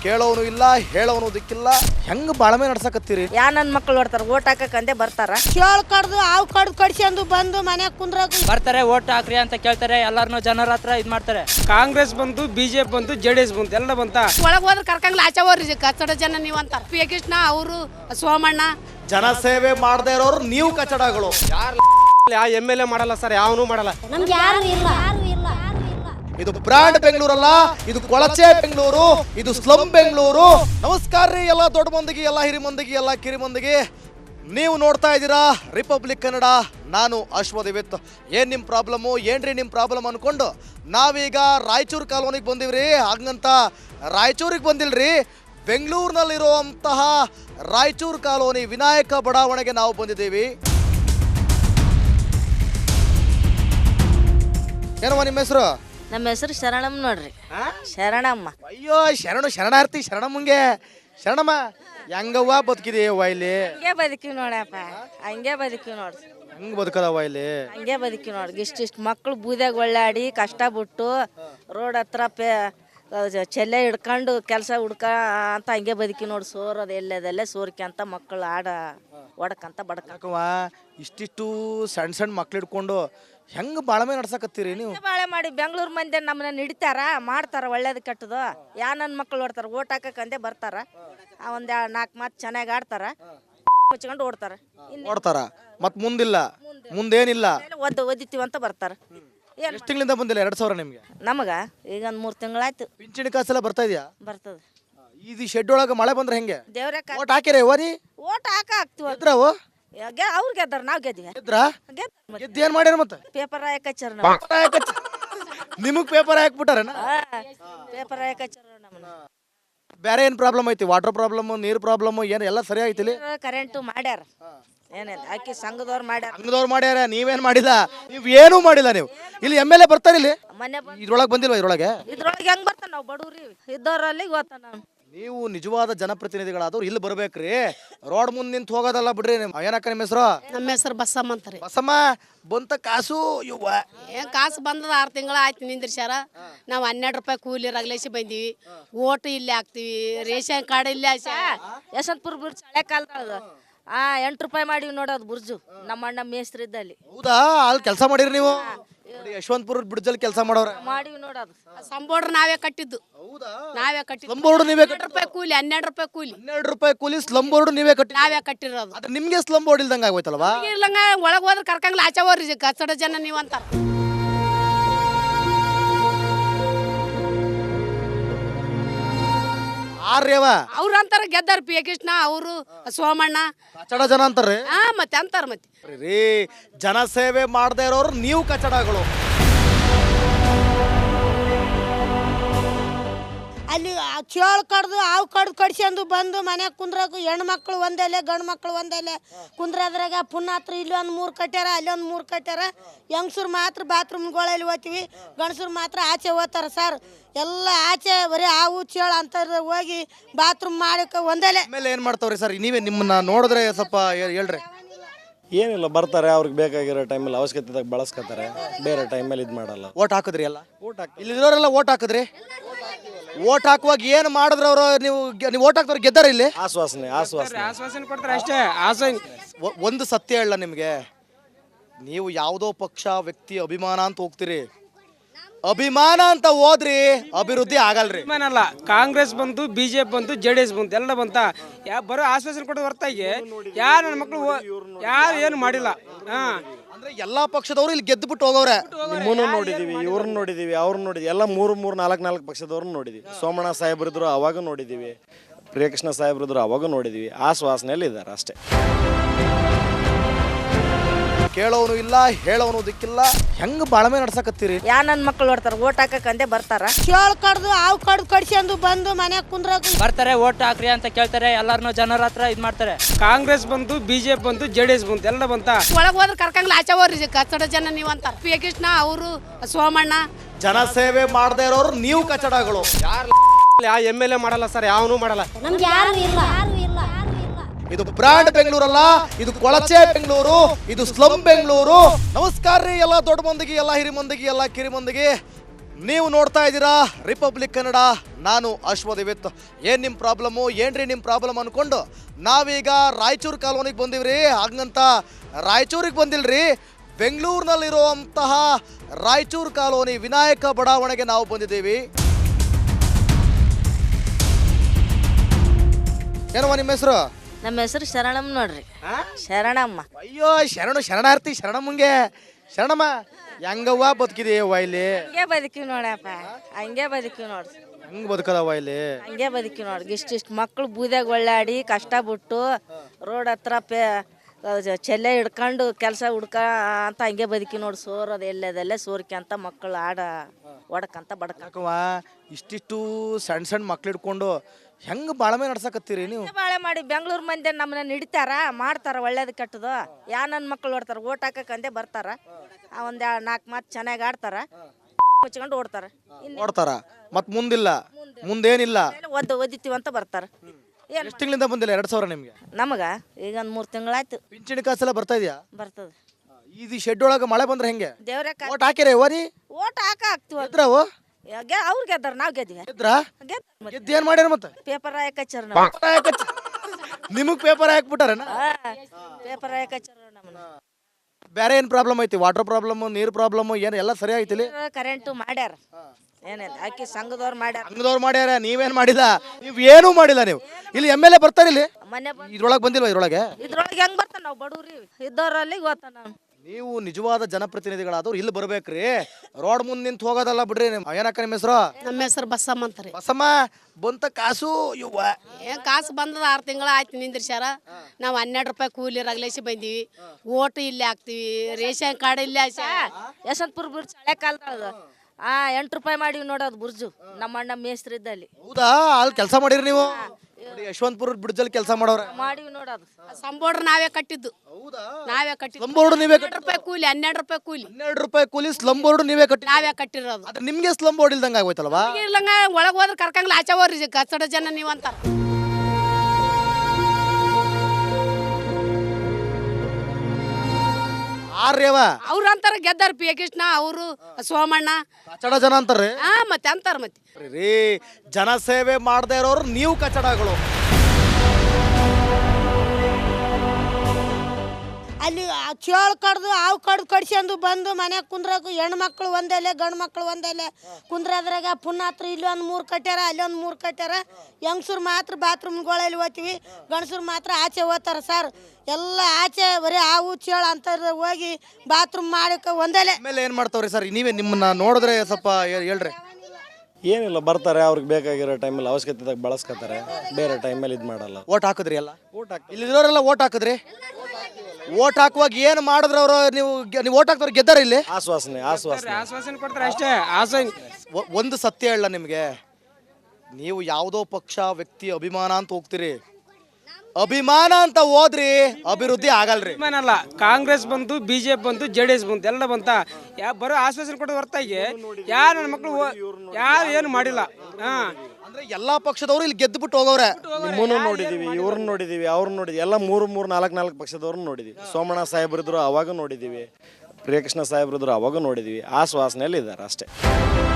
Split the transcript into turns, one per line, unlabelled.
ಕೇಳೋನು ಇಲ್ಲ ಹೇಳೋನು ದಿಕ್ಕಿಲ್ಲ ಹೆಂಗ್ ಬಾಳ್ಮೆ ನಡ್ಸಕತ್ತೀರಿ?
ಯಾ ನನ್ನ ಮಕ್ಕಳು ನೋಡ್ತಾರ ಓಟ್ ಹಾಕಂದೆ ಬರ್ತಾರ.
ಕೇಳ್ ಕಡ್ದು ಹಾವು ಕಡ್ದು ಕಡ್ಸ್ಕೊಂಡು ಬಂದು ಮನ್ಯಾಗ ಕುಂದ್ರಾಗ
ಬರ್ತಾರೆ ಓಟ್ ಹಾಕ್ರಿ ಅಂತ ಕೇಳ್ತಾರೆ. ಎಲ್ಲಾರನು ಜನರ ಹತ್ರ ಇದ್ ಮಾಡ್ತಾರೆ. ಕಾಂಗ್ರೆಸ್ ಬಂತು, ಬಿಜೆಪಿ ಬಂತು, ಜೆಡಿಎಸ್ ಬಂತು, ಎಲ್ಲ ಬಂತ.
ಒಳಗ್ ಹೋದ್ರೆ ಕರ್ಕಂಗ್ಲ ಆಚೆ ಹೋಗ್ರಿ ಕಚ್ಚಡ ಜನ ನೀವು ಅಂತಾರ. ಪಿ ಕೃಷ್ಣ ಅವರು ಸೋಮಣ್ಣ
ಜನಸೇವೆ ಮಾಡದೇ ಇರೋರು ನೀವು ಕಚಡಗಳು.
ಯಾವ MLA ಮಾಡಲ್ಲ ಸರ್, ಯಾವನು ಮಾಡಲ್ಲ.
ನಮ್ಗೆ ಯಾರು ಇಲ್ಲ.
ಇದು ಬ್ರಾಂಡ್ ಬೆಂಗಳೂರಲ್ಲ, ಇದು ಕೊಳಚೆ ಬೆಂಗಳೂರು, ಇದು ಸ್ಲಮ್ ಬೆಂಗಳೂರು. ನಮಸ್ಕಾರ ರೀ ಎಲ್ಲ ದೊಡ್ಡ ಮಂದಿಗೆ, ಎಲ್ಲ ಹಿರಿ ಮಂದಿಗೆ, ಎಲ್ಲ ಕಿರಿ ಮಂದಿಗೆ. ನೀವು ನೋಡ್ತಾ ಇದ್ದೀರಾ ರಿಪಬ್ಲಿಕ್ ಕನ್ನಡ. ನಾನು ಅಶ್ವದೇವಿತ್. ಏನ್ ನಿಮ್ಮ ಪ್ರಾಬ್ಲಮ್ಮು, ಏನ್ರಿ ನಿಮ್ಮ ಪ್ರಾಬ್ಲಮ್ ಅನ್ಕೊಂಡು ನಾವೀಗ ರಾಯಚೂರು ಕಾಲೋನಿಗೆ ಬಂದಿವ್ರಿ. ಹಂಗಂತ ರಾಯಚೂರಿಗೆ ಬಂದಿಲ್ರಿ, ಬೆಂಗಳೂರಿನಲ್ಲಿರುವಂತಹ ರಾಯಚೂರು ಕಾಲೋನಿ ವಿನಾಯಕ ಬಡಾವಣೆಗೆ ನಾವು ಬಂದಿದ್ದೀವಿ. ಏನಮ್ಮ ನಿಮ್ಮ ಹೆಸರು?
ನಮ್ಮ ಹೆಸರು ಶರಣಮ್ಮ ನೋಡ್ರಿ. ಶರಣಮ್ಮ.
ಅಯ್ಯೋ ಶರಣಾರ್ಥಿ ಶರಣಮ್ಮಂಗೆ. ಶರಣಮ್ಮ ಹೆಂಗವ್ವ ಬದುಕಿದೆಯವ್ವ ಇಲ್ಲಿ?
ಹಂಗೆ ಬದುಕಿವಿ ನೋಡಪ್ಪ, ಹಂಗೆ ಬದುಕಿವಿ ನೋಡ್ರಿ.
ಹೆಂಗ್ ಬದುಕದವ್ವ ಇಲ್ಲಿ?
ಹಂಗೆ ಬದುಕಿವಿ ನೋಡ್ರಿ. ಇಷ್ಟಿಷ್ಟು ಮಕ್ಳು ಬೂದ್ಯಾಗ ಒಳ್ಳಾಡಿ ಕಷ್ಟ ಬಿಟ್ಟು ರೋಡ್ ಹತ್ರ ಚೆಲ್ಲೆ ಹಿಡ್ಕೊಂಡು ಕೆಲಸ ಹುಡ್ಕ ಅಂತ ಹಂಗೆ ಬದುಕಿ ನೋಡಿ. ಸೋರೋದು ಎಲ್ಲದಲ್ಲೇ ಸೋರಿಕೆ ಅಂತ ಮಕ್ಕಳು ಒಡಕಂತ ಬಡಕ.
ಯಾಕವ್ವ ಇಷ್ಟಿಷ್ಟು ಸಣ್ಣ ಸಣ್ಣ ಮಕ್ಳು ಹಿಡ್ಕೊಂಡು ಹೆಂಗ್ ಬಾಳ್ಮೆ ನಡ್ಸಕತ್ತೀರಿ ನೀವು?
ಬಾಳೆ ಮಾಡಿ ಬೆಂಗಳೂರು ಮಂದಿ ನಮ್ಮನ್ನ ಹಿಡಿತಾರ, ಮಾಡ್ತಾರ ಒಳ್ಳೇದು ಕೆಟ್ಟದು. ಯಾ ನನ್ನ ಮಕ್ಳು ನೋಡ್ತಾರ ಓಟ್ ಹಾಕಂದೆ ಬರ್ತಾರ. ಒಂದ್ 4 ಮಾತು ಚೆನ್ನಾಗಿ ಆಡ್ತಾರ, ಮುಚ್ಕೊಂಡು ಓಡ್ತಾರ.
ನೋಡ್ತಾರ ಮತ್ ಮುಂದಿಲ್ಲ, ಮುಂದೇನಿಲ್ಲ.
ಒದಿತೀವಿ ಅಂತ ಬರ್ತಾರ.
ಎಷ್ಟು ತಿಂಗಳಿಂದ ಬಂದಿಲ್ಲ 2000 ನಿಮ್ಗೆ?
ನಮಗ ಈಗ 3 ತಿಂಗಳಾಯ್ತು.
ಪಿಂಚಣಿ ಕಾಸೆಲ್ಲ ಬರ್ತಾ ಇದೆಯಾ?
ಬರ್ತದ.
ಇದು ಶೆಡ್ ಒಳಗೆ ಮಳೆ ಬಂದ್ರೆ ಹೆಂಗೆ?
ದೇವ್ರ
ಓಟ್ ಹಾಕಿರಿ ಓರಿ?
ಓಟ್ ಹಾಕ್ತಿವ
ಗೆದ್ರವು?
ಅವ್ರು ಗೆದ್ದಾರ, ನಾವ್ ಗೆದ್ವಿ.
ಗೆದ್ದು ಏನ್ ಮಾಡ್ಯಾರ ಮತ್ತೆ?
ಪೇಪರ್ ಹಾಕಚ್ಚಾರ
ನಿಮಗ್ ಪೇಪರ್ ಹಾಕ್ಬಿಟ್ಟಾರ?
ಪೇಪರ್ ಹಾಕಚ್ಚಾರ ನಮ್ಮನ್ನ.
ಬೇರೆ ಏನ್ ಪ್ರಾಬ್ಲಮ್ ಐತಿ? ವಾಟರ್ ಪ್ರಾಬ್ಲಮ್, ನೀರ್ ಪ್ರಾಬ್ಲಮ್ ಏನ್ ಎಲ್ಲ ಸರಿ ಐತಿಲಿ?
ಕರೆಂಟು ಮಾಡ್ಯಾರ, ಏನಿಲ್ಲ ಅಕ್ಕಿ ಸಂಘದವ್ರು ಮಾಡ್ಯಾರ.
ಸಂಘದವ್ರು ಮಾಡ್ಯಾರ, ನೀವೇನ್ ಮಾಡಿಲ್ಲ? ನೀವ್ ಏನೂ ಮಾಡಿಲ್ಲ. ನೀವು ಇಲ್ಲಿ MLA ಬರ್ತಾರ ಇಲ್ಲಿ?
ಮನೆ
ಇದ್ರೊಳಗೆ ಬಂದಿಲ್ವಾ? ಇದ್ರೊಳಗೆ
ಹೆಂಗ್ ಬರ್ತಾನ? ನಾವು ಬಡವ್ರಿ ಇದ್ದವ್ರಲ್ಲಿ ಗೊತ್ತ. ನಾವು
ನೀವು ನಿಜವಾದ ಜನಪ್ರತಿನಿಧಿಗಳಾದವ್ರು ಇಲ್ಲಿ ಬರ್ಬೇಕ್ರಿ. ರೋಡ್ ಮುಂದೆ ನಿಂತು ಹೋಗೋದಲ್ಲ ಬಿಡ್ರಿ. ಏನಕ್ಕ ನಿಮ್ಮ ಹೆಸರು?
ನಮ್ಮ ಹೆಸರು ಬಸ್ಸಮ್ಮ ಅಂತಾರೆ.
ಬಸಮ್ಮ ಬಂತ ಕಾಸು ಇವ್ವ
ಏನ್ ಕಾಸು ಬಂದದ 6 ತಿಂಗಳ ಆಯ್ತು ನಿಂದ್ರಿಸ್ಯಾರ. ನಾವು 12 ರೂಪಾಯಿ ಕೂಲಿ ರಗಲೇಸಿ ಬಂದೀವಿ. ಓಟು ಇಲ್ಲೇ ಹಾಕ್ತಿವಿ, ರೇಷನ್ ಕಾರ್ಡ್ ಇಲ್ಲೇ
ಯಶವಂತಪುರ ಬುರ್ಜ್ ಹಳೆ ಕಾಲದ 8 ರೂಪಾಯಿ ಮಾಡಿವಿ ನೋಡೋದು ಬುರ್ಜು. ನಮ್ಮ ಅಣ್ಣ ಮೇಸ್ತ್ರಿ ಇದ್ದಲ್ಲಿ.
ಹೌದಾ? ಅಲ್ಲಿ ಕೆಲಸ ಮಾಡಿರಿ ನೀವು? ಯಶವಂತಪುರ ಬ್ರಿಡ್ಜಲ್ಲಿ ಕೆಲಸ ಮಾಡೋರ
ಮಾಡಿವಿ ನೋಡೋದು.
ಸಂಬೋಡ್ರ ನಾವೇ ಕಟ್ಟಿದ್ದು. ನಾವೇ ಕಟ್ಟಿದ್ದು.
ಸ್ಲಮ್ ಬೋರ್ಡ್ ನೀವೇ ಕಟ್ಟಿ?
12 ರೂಪಾಯಿ ಕೂಲಿ, 12 ರೂಪಾಯಿ ಕೂಲಿ.
12 ರೂಪಾಯಿ ಕೂಲಿ ಸ್ಲಮ್ ಬೋರ್ಡ್ ನೀವೇ ಕಟ್ಟಿ?
ನಾವೇ ಕಟ್ಟಿರೋದು.
ಅದ್ರ ನಿಮ್ಗೆ ಸ್ಲಮ್ ಬೋರ್ಡ್ ಇಲ್ದಂಗ ಆಗೋಯ್ತಲ್ವಾ?
ಇರ್ಲಂಗ ಒಳಗ್ ಹೋದ್ರೆ ಕರ್ಕಂಗ್ಲ ಆಚೆ ಹೋಗ್ರಿ ಕಚ್ಚಡ ಜನ ನೀವು ಅಂತಾರ.
ಆರ್ಯವ
ಅವ್ರು ಅಂತಾರ ಗೆದ್ದಾರ. ಪಿ ಕೃಷ್ಣ ಅವರು ಸೋಮಣ್ಣ
ಕಚಡ ಜನ ಅಂತಾರ್ರಿ?
ಮತ್ತೆ ಅಂತಾರ. ಮತ್ತೆ
ರೀ ಜನಸೇವೆ ಮಾಡದೇ ಇರೋರು ನೀವು ಕಚಡಗಳು.
ಅಲ್ಲಿ ಚೇಳು ಕಡ್ದು ಹಾವು ಕಡ್ದು ಕಡ್ಸ್ಕೊಂಡು ಬಂದು ಮನ್ಯಾಗ ಕುಂದ್ರಾಗ ಹೆಣ್ಣು ಮಕ್ಳು ಒಂದೆಲೆ ಗಂಡು ಮಕ್ಳು ಒಂದೆಲೆ ಕುಂದ್ರದ್ರಾಗ ಪುಣ್ಯಾತ್ರ ಇಲ್ಲಿ ಒಂದು 3 ಕಟ್ಟ್ಯಾರ, ಅಲ್ಲಿ ಒಂದು 3 ಕಟ್ಟ್ಯಾರ. ಹೆಂಗಸರು ಮಾತ್ರ ಬಾತ್ರೂಮ್ಗಳಲ್ಲಿ ಹೋಗ್ತೀವಿ, ಗಂಡಸರು ಮಾತ್ರ ಆಚೆ ಹೋಗ್ತಾರೆ ಸರ್. ಎಲ್ಲ ಆಚೆ ಬರೀ ಹಾವು ಚೇಳು ಅಂತ ಹೋಗಿ ಬಾತ್ರೂಮ್ ಮಾಡಕ್ಕೆ ಒಂದೆಲೆ.
ಆಮೇಲೆ ಏನ್ ಮಾಡ್ತಾವ್ರಿ ಸರ್? ನೀವೇ ನಿಮ್ಮನ್ನ ನೋಡಿದ್ರೆ ಸ್ವಲ್ಪ ಹೇಳ್ರಿ.
ಏನಿಲ್ಲ, ಬರ್ತಾರೆ ಅವ್ರಿಗೆ ಬೇಕಾಗಿರೋ ಟೈಮಲ್ಲಿ ಅವಶ್ಯಕತೆದಾಗ ಬಳಸ್ಕೊತಾರೆ, ಬೇರೆ ಟೈಮಲ್ಲಿ ಇದು ಮಾಡಲ್ಲ.
ಓಟ್ ಹಾಕಿದ್ರಿ? ಎಲ್ಲ ಇಲ್ಲಿರೋರೆಲ್ಲ ಓಟ್ ಹಾಕಿದ್ರಿ? ಓಟ್ ಹಾಕುವಾಗ ಏನು ಮಾಡಿದ್ರ ಅವರು? ನೀವು ಓಟ್ ಹಾಕ್ದವ್ರು ಗೆದ್ದಾರ ಇಲ್ಲಿ?
ಆಶ್ವಾಸನೆ
ಕೊಡ್ತಾರೆ ಅಷ್ಟೇ.
ಒಂದು ಸತ್ಯ ಹೇಳ ನಿಮಗೆ, ನೀವು ಯಾವುದೋ ಪಕ್ಷ ವ್ಯಕ್ತಿ ಅಭಿಮಾನ ಅಂತ ಹೋಗ್ತೀರಿ. ಅಭಿಮಾನ ಅಂತ ಹೋದ್ರಿ ಅಭಿವೃದ್ಧಿ ಆಗಲ್ರಿ.
ಅಭಿಮಾನ ಅಲ್ಲ, ಕಾಂಗ್ರೆಸ್ ಬಂತು, ಬಿಜೆಪಿ ಬಂತು, ಜೆಡಿಎಸ್ ಬಂತು, ಎಲ್ಲ ಬಂತ. ಬರೋ ಆಶ್ವಾಸನೆ ಕೊಡೋದು ಹೊರತಾಗಿ ಯಾರು ನನ್ನ ಮಕ್ಕಳು ಯಾರು ಏನು ಮಾಡಿಲ್ಲ.
ಅಂದ್ರೆ ಎಲ್ಲಾ ಪಕ್ಷದವರು ಇಲ್ಲಿ ಗೆದ್ದು ಬಿಟ್ಟು ಹೋಗವ್ರೆ.
ನಿಮ್ಮನ್ನು ನೋಡಿದೀವಿ, ಇವ್ರನ್ನ ನೋಡಿದೀವಿ, ಅವ್ರನ್ನ ನೋಡಿದ್ವಿ, ಎಲ್ಲ 3 ಪಕ್ಷದವ್ರನ್ನ ನೋಡಿದ್ವಿ. ಸೋಮಣ್ಣ ಸಾಹೇಬ್ರಿದ್ರು ಅವಾಗ ನೋಡಿದೀವಿ, ಪ್ರಿಯಕೃಷ್ಣ ಸಾಹೇಬ್ರಿದ್ರು ಅವಾಗ ನೋಡಿದೀವಿ. ಆಶ್ವಾಸನೆಯಲ್ಲಿ ಇದ್ದಾರೆ ಅಷ್ಟೇ.
ಕೇಳೋನು ಇಲ್ಲ ಹೇಳೋನು ದಿಕ್ಕಿಲ್ಲ ಹೆಂಗ್ ಬಾಳ್ಮೆ ನಡ್ಸಕತ್ತೀರಿ?
ಯಾ ನನ್ನ ಮಕ್ಳು ನೋಡ್ತಾರ ಓಟ್ ಹಾಕಂದೆ ಬರ್ತಾರ.
ಚೇಳು ಕಡ್ದು ಹಾವು ಕಡ್ದು ಕಡ್ಸ್ಕೊಂಡು ಬಂದು ಮನ್ಯಾಗ ಕುಂದ್ರಾಗ
ಬರ್ತಾರೆ ಓಟ್ ಹಾಕ್ರಿ ಅಂತ ಕೇಳ್ತಾರೆ. ಎಲ್ಲಾರನು ಜನರ ಹತ್ರ ಇದ್ ಮಾಡ್ತಾರೆ. ಕಾಂಗ್ರೆಸ್ ಬಂತು, ಬಿಜೆಪಿ ಬಂತು, ಜೆಡಿಎಸ್ ಬಂತು, ಎಲ್ಲ ಬಂತ.
ಒಳಗ್ ಹೋದ್ರೆ ಕರ್ಕಂಗ್ಲ ಆಚೆ ಹೋಗ್ರಿ ಕಚ್ಚಡ ಜನ ನೀವು ಅಂತಾರ. ಪಿ ಕೃಷ್ಣ ಅವರು ಸೋಮಣ್ಣ
ಜನಸೇವೆ ಮಾಡದೇ ಇರೋರು ನೀವು ಕಚಡಗಳು.
ಯಾವ MLA ಮಾಡಲ್ಲ ಸರ್, ಯಾವನು ಮಾಡಲ್ಲ.
ನಮ್ಗೆ ಯಾರು ಇಲ್ಲ.
ಇದು ಬ್ರಾಂಡ್ ಬೆಂಗಳೂರಲ್ಲ, ಇದು ಕೊಳಚೆ ಬೆಂಗಳೂರು, ಇದು ಸ್ಲಮ್ ಬೆಂಗಳೂರು. ನಮಸ್ಕಾರ ರೀ ಎಲ್ಲ ದೊಡ್ಡ ಮಂದಿಗೆ, ಎಲ್ಲ ಹಿರಿ ಮಂದಿಗೆ, ಎಲ್ಲ ಕಿರಿ ಮಂದಿಗೆ. ನೀವು ನೋಡ್ತಾ ಇದ್ದೀರಾ ರಿಪಬ್ಲಿಕ್ ಕನ್ನಡ. ನಾನು ಅಶ್ವದಿವಿತ್. ಏನು ನಿಮ್ಮ ಪ್ರಾಬ್ಲಮ್ಮು, ಏನ್ರಿ ನಿಮ್ಮ ಪ್ರಾಬ್ಲಮ್ ಅಂದ್ಕೊಂಡು ನಾವೀಗ ರಾಯಚೂರು ಕಾಲೋನಿಗೆ ಬಂದಿವ್ರಿ. ಹಂಗಂತ ರಾಯಚೂರಿಗೆ ಬಂದಿಲ್ರಿ, ಬೆಂಗಳೂರಿನಲ್ಲಿರುವಂತಹ ರಾಯಚೂರು ಕಾಲೋನಿ ವಿನಾಯಕ ಬಡಾವಣೆಗೆ ನಾವು ಬಂದಿದ್ದೀವಿ. ಏನಮ್ಮ ನಿಮ್ಮ ಹೆಸರು?
ನಮ್ಮ ಹೆಸರು ಶರಣಮ್ಮ ನೋಡ್ರಿ. ಶರಣಮ್ಮ.
ಅಯ್ಯೋ ಶರಣಾರ್ಥಿ ಶರಣಮ್ಮಂಗೆ. ಶರಣಮ್ಮ ಹೆಂಗವ್ವ ಬದುಕಿದೆಯವ್ವ ಇಲ್ಲಿ?
ಹಂಗೆ ಬದುಕಿ ನೋಡಪ್ಪ, ಹಂಗೆ ಬದುಕಿ ನೋಡ್ರಿ.
ಹೆಂಗ್ ಬದುಕದವ್ವ ಇಲ್ಲಿ?
ಹಂಗೆ ಬದುಕಿ ನೋಡ್ರಿ. ಇಷ್ಟಿಷ್ಟು ಮಕ್ಕಳು ಬೂದ್ಯಾಗ ಒಳ್ಳಾಡಿ ಕಷ್ಟ ಬಿಟ್ಟು ರೋಡ್ ಹತ್ರ ಚೆಲ್ಲೆ ಹಿಡ್ಕೊಂಡು ಕೆಲಸ ಅಂತ ಹಂಗೆ ಬದುಕಿ ನೋಡಿ. ಸೋರೋದು ಎಲ್ಲದಲ್ಲೇ ಸೋರ್ಕ್ಯಂತ ಮಕ್ಕಳು ಒಡಕಂತ ಬಡಕ.
ಯಾಕವ್ವ ಇಷ್ಟಿಷ್ಟು ಸಣ್ಣ ಸಣ್ಣ ಮಕ್ಳು ಹಿಡ್ಕೊಂಡು ಹೆಂಗೆ ಬಾಳ್ಮೆ ನಡ್ಸಕತ್ತೀರಿ ನೀವು?
ಬಾಳೆ ಮಾಡಿ ಬೆಂಗಳೂರು ಮಂದಿ ನಮ್ಮನ್ನ ಹಿಡಿತಾರ, ಮಾಡ್ತಾರ ಒಳ್ಳೇದು ಕೆಟ್ಟದು. ನನ್ನ ಮಕ್ಕಳು ಓಡ್ತಾರ, ಓಟ್ ಹಾಕಂದೆ ಬರ್ತಾರ, ಒಂದು 4 ಮಾತು ಚೆನ್ನಾಗಿ ಆಡ್ತಾರ, ಮುಚ್ಕೊಂಡು ಓಡ್ತಾರ.
ನೋಡ್ತಾರ ಮತ್ ಮುಂದಿಲ್ಲ, ಮುಂದೇನಿಲ್ಲ,
ಒದ್ದಿತೀವಿ ಅಂತ ಬರ್ತಾರ.
ಎಷ್ಟು ತಿಂಗಳಿಂದ ಬಂದಿಲ್ಲ 2000 ನಿಮ್ಗೆ?
ನಮಗ ಈಗ ಒಂದು 3 ತಿಂಗಳಾಯ್ತು.
ಪಿಂಚಣಿ ಕಾಸೆಲ್ಲ ಬರ್ತಾ ಇದೆಯಾ?
ಬರ್ತದ.
ಇದು ಶೆಡ್ ಒಳಗೆ ಮಳೆ ಬಂದ್ರೆ ಹೆಂಗೆ?
ದೇವ್ರೆ
ಓಟ್ ಹಾಕಿರಿ ಓರಿ?
ಓಟ್ ಹಾಕ್ತಿವ.
ಗೆದ್ರವು?
ಅವ್ರು ಗೆದ್ದಾರ, ನಾವು ಗೆದ್ವಿ.
ಗೆದ್ದು ಏನ್ ಮಾಡ್ಯಾರ ಮತ್ತೆ?
ಪೇಪರ್ ಹಾಕಚ್ಚಾರ ನಾವು.
ನಿಮಗ್ ಪೇಪರ್ ಹಾಕ್ಬಿಟ್ಟಾರ?
ಪೇಪರ್ ಹಾಕಚ್ಚಾರ ನಮ್ಮನ್ನ.
ಬೇರೆ ಏನ್ ಪ್ರಾಬ್ಲಮ್ ಐತಿ? ವಾಟರ್ ಪ್ರಾಬ್ಲಮ್, ನೀರ್ ಪ್ರಾಬ್ಲಮ್ ಏನು ಎಲ್ಲ ಸರಿ ಆಯ್ತಿಲಿ?
ಕರೆಂಟು ಮಾಡ್ಯಾರ, ಏನೇನು ಅಕ್ಕಿ ಸಂಘದವ್ರು ಮಾಡ್ಯಾರ.
ಸಂಘದವ್ರು ಮಾಡ್ಯಾರ, ನೀವೇನ್ ಮಾಡಿಲ್ಲ? ನೀವ್ ಏನೂ ಮಾಡಿಲ್ಲ. ನೀವು ಇಲ್ಲಿ MLA ಬರ್ತಾರ ಇಲ್ಲಿ?
ಮನೆ
ಇದ್ರೊಳಗೆ ಬಂದಿಲ್ವಾ? ಇದ್ರೊಳಗೆ
ಹೆಂಗ್ ಬರ್ತಾನ? ನಾವು ಬಡವ್ರಿ ಇದ್ದವ್ರಲ್ಲಿ ಗೊತ್ತ. ನಾವು
ನೀವು ನಿಜವಾದ ಜನಪ್ರತಿನಿಧಿಗಳಾದವ್ರು ಇಲ್ಲಿ ಬರ್ಬೇಕ್ರಿ. ರೋಡ್ ಮುಂದೆ ನಿಂತು ಹೋಗೋದಲ್ಲ ಬಿಡ್ರಿ. ಏನಕ್ಕ ನಿಮ್ಮ ಹೆಸರು?
ನಮ್ಮ ಹೆಸರು ಬಸ್ಸಮ್ಮ ಅಂತಾರೆ.
ಬಸಮ್ಮ ಬಂತ ಕಾಸು ಇವ್ವ
ಏನ್ ಕಾಸು ಬಂದದ 6 ತಿಂಗಳ ಆಯ್ತು ನಿಂದ್ರಿಸ್ಯಾರ. ನಾವು 12 ರೂಪಾಯಿ ಕೂಲಿ ರಗಲೇಸಿ ಬಂದೀವಿ. ಓಟು ಇಲ್ಲೇ ಹಾಕ್ತಿವಿ, ರೇಷನ್ ಕಾರ್ಡ್ ಇಲ್ಲೇ
ಯಶವಂತಪುರ ಬುರ್ಜ್ ಹಳೆ ಕಾಲದ 8 ರೂಪಾಯಿ ಮಾಡಿವಿ ನೋಡೋದು ಬುರ್ಜು. ನಮ್ಮ ಅಣ್ಣ ಮೇಸ್ತ್ರಿ ಇದ್ದಲ್ಲಿ.
ಹೌದಾ? ಅಲ್ಲಿ ಕೆಲಸ ಮಾಡಿರಿ ನೀವು? ಯಶವಂತಪುರ ಬ್ರಿಡ್ಜಲ್ಲಿ ಕೆಲಸ ಮಾಡೋರ
ಮಾಡಿವಿ ನೋಡೋದು.
ಸಂಬೋರ್ಡ್ ನಾವೇ ಕಟ್ಟಿದ್ದು. ನಾವೇ ಕಟ್ಟಿದ್ದು.
ಸ್ಲಮ್ ಬೋರ್ಡ್ ನೀವೇ
12 ರೂಪಾಯಿ ಕೂಲಿ, 12 ರೂಪಾಯಿ ಕೂಲಿ.
12 ರೂಪಾಯಿ ಕೂಲಿ ಸ್ಲಮ್ ಬೋರ್ಡ್ ನೀವೇ ಕಟ್ಟಿ?
ನಾವೇ ಕಟ್ಟಿರೋದು.
ಅದ್ರ ನಿಮ್ಗೆ ಸ್ಲಮ್ ಬೋರ್ಡ್ ಇಲ್ದಂಗ ಆಗೋಯ್ತಲ್ವಾ?
ಇರ್ಲಂಗ ಒಳಗೆ ಹೋದ್ರೆ ಕರ್ಕಂಗ್ಲ ಆಚೆ ಹೋಗ್ರಿ ಕಸಡ ಜನ ನೀವು ಅಂತಾರ.
ಆರ್ಯವ
ಅವ್ರು ಅಂತಾರ ಗೆದ್ದಾರ ಪಿ ಕೃಷ್ಣ, ಅವರು ಸೋಮಣ್ಣ
ಕಚಡ ಜನ ಅಂತಾರ್ರಿ.
ಮತ್ತೆ ಅಂತಾರ. ಮತ್ತೆ
ರೀ ಜನಸೇವೆ ಮಾಡದೇ ಇರೋರು ನೀವು ಕಚಡಗಳು.
ಅಲ್ಲಿ ಚೇಳು ಕಡ್ದು ಹಾವು ಕಡ್ಸ್ಕೊಂಡು ಬಂದು ಮನ್ಯಾಗ ಕುಂದ್ರಾಕು ಹೆಣ್ಮಕ್ಳು ಒಂದೆಲೆ ಗಂಡು ಮಕ್ಳು ಒಂದೆಲೆ ಕುಂದ್ರದ್ರಾಗ ಪುಣ್ಯಾತ್ರ ಇಲ್ಲಿ ಒಂದು 3 ಕಟ್ಟ್ಯಾರ, ಅಲ್ಲಿ ಒಂದು 3 ಕಟ್ಟ್ಯಾರ. ಹೆಂಗಸ್ರು ಮಾತ್ರ ಬಾತ್ರೂಮ್ಗಳಲ್ಲಿ ಹೋಗ್ತೀವಿ, ಗಂಡಸ್ರು ಮಾತ್ರ ಆಚೆ ಹೋಗ್ತಾರ ಸರ್. ಎಲ್ಲ ಆಚೆ ಬರೀ ಹಾವು ಚೇಳು ಅಂತ ಹೋಗಿ ಬಾತ್ರೂಮ್ ಮಾಡಕ್ಕೆ ಒಂದೆಲೆ.
ಆಮೇಲೆ ಏನ್ ಮಾಡ್ತಾವ್ರಿ ಸರ್? ನೀವೇ ನಿಮ್ಮನ್ನ ನೋಡಿದ್ರೆ ಸ್ವಲ್ಪ ಹೇಳ್ರಿ.
ಏನಿಲ್ಲ, ಬರ್ತಾರೆ ಅವ್ರಿಗೆ ಬೇಕಾಗಿರೋ ಟೈಮಲ್ಲಿ ಅವಶ್ಯಕತೆದಾಗ ಬಳಸ್ಕೊತಾರೆ, ಬೇರೆ ಟೈಮಲ್ಲಿ ಇದು ಮಾಡಲ್ಲ.
ಓಟ್ ಹಾಕಿದ್ರಿ ಎಲ್ಲ? ಇಲ್ಲಿರೋರೆಲ್ಲ ಓಟ್ ಹಾಕಿದ್ರಿ? ಓಟ್ ಹಾಕುವಾಗ ಏನು ಮಾಡಿದ್ರ ಅವರು? ನೀವು ಓಟ್ ಹಾಕ್ದವ್ರು ಗೆದ್ದಾರ ಇಲ್ಲಿ?
ಆಶ್ವಾಸನೆ ಕೊಡ್ತಾರೆ ಅಷ್ಟೇ.
ಒಂದು ಸತ್ಯ ಹೇಳ ನಿಮಗೆ, ನೀವು ಯಾವುದೋ ಪಕ್ಷ ವ್ಯಕ್ತಿ ಅಭಿಮಾನ ಅಂತ ಹೋಗ್ತೀರಿ. ಅಭಿಮಾನ ಅಂತ ಹೋದ್ರಿ ಅಭಿವೃದ್ಧಿ ಆಗಲ್ರಿ.
ಅಭಿಮಾನ ಅಲ್ಲ, ಕಾಂಗ್ರೆಸ್ ಬಂತು, BJP ಬಂತು, JDS ಬಂತು, ಎಲ್ಲ ಬಂತ. ಬರೋ ಆಶ್ವಾಸನೆ ಕೊಡೋದು ಹೊರತಾಗಿ ಯಾರು ನನ್ನ ಮಕ್ಕಳು ಯಾರು ಏನು ಮಾಡಿಲ್ಲ.
ಅಂದ್ರೆ ಎಲ್ಲಾ ಪಕ್ಷದವರು ಇಲ್ಲಿ ಗೆದ್ದು ಬಿಟ್ಟು ಹೋಗವ್ರೆ.
ನಿಮ್ಮನ್ನು ನೋಡಿದೀವಿ, ಇವ್ರನ್ನ ನೋಡಿದೀವಿ, ಅವ್ರನ್ನ ನೋಡಿದ್ವಿ, ಎಲ್ಲ 3 ಪಕ್ಷದವ್ರನ್ನ ನೋಡಿದ್ವಿ. ಸೋಮಣ್ಣ ಸಾಹೇಬ್ರಿದ್ರು ಅವಾಗ ನೋಡಿದೀವಿ, ಪ್ರಿಯಕೃಷ್ಣ ಸಾಹೇಬ್ರಿದ್ರು ಅವಾಗ ನೋಡಿದ್ವಿ. ಆಶ್ವಾಸನೆಯಲ್ಲಿ ಇದ್ದಾರೆ ಅಷ್ಟೇ.